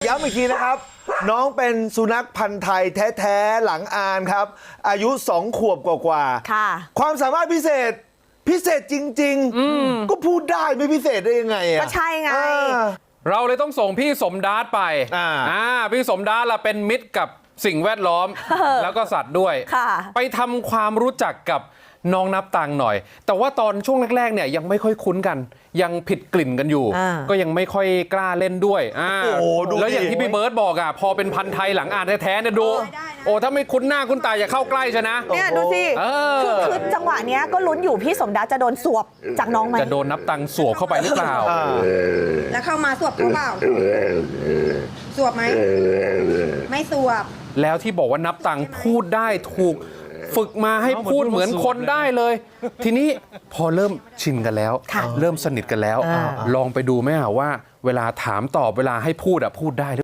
ย้ำอีกทีนะครับ น้องเป็นสุนัขพันธุ์ไทยแท้ๆหลังอานครับ อายุ2 ขวบกว่าๆค่ะความสามารถพิเศษจริงๆก็พูดได้ไม่พิเศษได้ยังไงอ่ะก็ใช่ไงเราเลยต้องส่งพี่สมดาษไปพี่สมดาษละเป็นมิตรกับสิ่งแวดล้อมแล้วก็สัตว์ด้วยไปทำความรู้จักกับน้องนับตังหน่อยแต่ว่าตอนช่วงแรกๆเนี่ยยังไม่ค่อยคุ้นกันยังผิดกลิ่นกันอยู่ก็ยังไม่ค่อยกล้าเล่นด้วยแล้วอย่างที่พี่เบิร์ตบอกอ่ะพอเป็นพันธุ์ไทยหลังอ่านแท้ๆเนี่ยดูโอ้ถ้าไม่คุ้นหน้าคุ้นตาอย่าเข้าใกล้ชนะเนี่ยดูสิคือจังหวะเนี้ยก็ลุ้นอยู่พี่สมดาจะโดนสวบจากน้องไหมจะโดนนับตังสวบเข้าไปหรือเปล่าแล้วเข้ามาสวบเขาเปล่าสวบไหมไม่สวบแล้วที่บอกว่านับตังพูดได้ถูกฝึกมาให้พูดเหมือนคนได้เลยทีนี้พอเริ่มชินกันแล้วเริ่มสนิทกันแล้วลองไปดูไหมว่าเวลาถามตอบเวลาให้พูดพูดได้